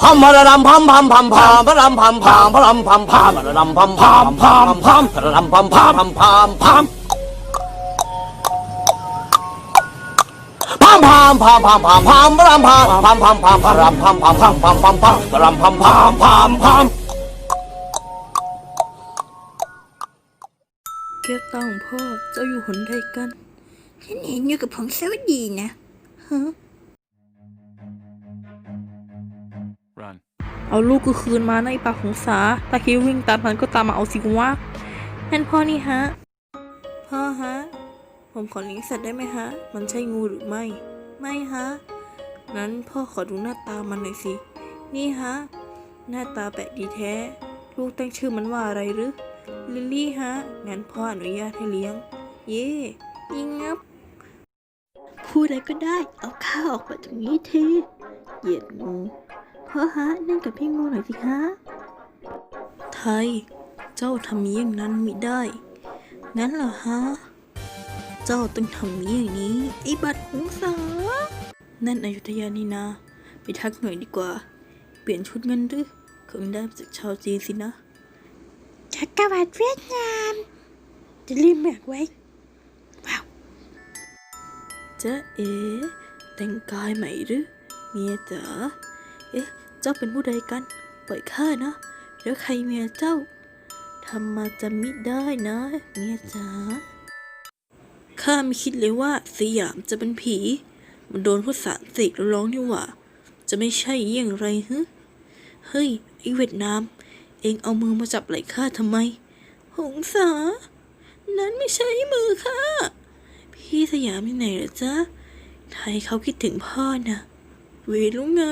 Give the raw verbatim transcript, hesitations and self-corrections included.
พัมพะระดำพัมพัมพัมพัมพะรำพัมพัมพะรำพัมพัมพะระดำพัมพัมพัมพัมพะระดำพัมพัมพัมพัมพัมพัมพัมพัมพัมพัมพัมพะรำพัมพัมพัมพัมพะรำพัมพัมพัมพัมพัมพัมพะรำพัมพัมพัมพัมแก้วตาของพ่อเจ้าอยู่หนใดกันฉันเห็นอยู่กับผงสวัสดีนะฮะเอาลูกกูคืนมาในปากของสาตาคิววิ่งตามมันก็ตามมาเอาสิวะนั่นพ่อนี่ฮะพ่อฮะผมขอเลี้ยงสัตว์ได้ไหมฮะมันใช่งูหรือไม่ไม่ฮะนั้นพ่อขอดูหน้าตามันหน่อยสินี่ฮะหน้าตาแปลกดีแท้ลูกตั้งชื่อมันว่าอะไรหรือลิลลี่ฮะงั้นพ่ออนุญาตให้เลี้ยงเย่ยิงงับพูดอะไรก็ได้เอาข้าออกไปตรงนี้ทีเหยียดงูพ่อฮะนั่งกับพี่งูหน่อยสิฮะไทยเจ้าทำอย่างนั้นมิได้งั้นเหรอฮะเจ้าต้องทำอย่างนี้ไอ้บัดหงสานั่นอยุธยานี่นาไปทักหน่อยดีกว่าเปลี่ยนชุดเงินหรือคงได้มาจากชาวจีนสินะจักรวรรดิเวียดนามจะรีบแบกไว้ว้าวจ๊ะเอ๋แต่งกายใหม่หรือเมียจ๋าเอ๊ะเจ้าเป็นผู้ใดกันปล่อยข้านะแล้วใครเมียเจ้าทำมาจะมิได้นะเมียจ๋าข้าไม่คิดเลยว่าสยามจะเป็นผีมันโดนพวกสารเสกแล้วร้องนี่หว่าจะไม่ใช่อย่างไรฮึเฮ้ยไอ้เวียดนามเองเอามือมาจับไหล่ข้าทำไมหงสานั้นไม่ใช่มือข้าพี่สยามที่ไหนเหรอจ๊ะไทยเขาคิดถึงพ่อนะเวรรู้ไง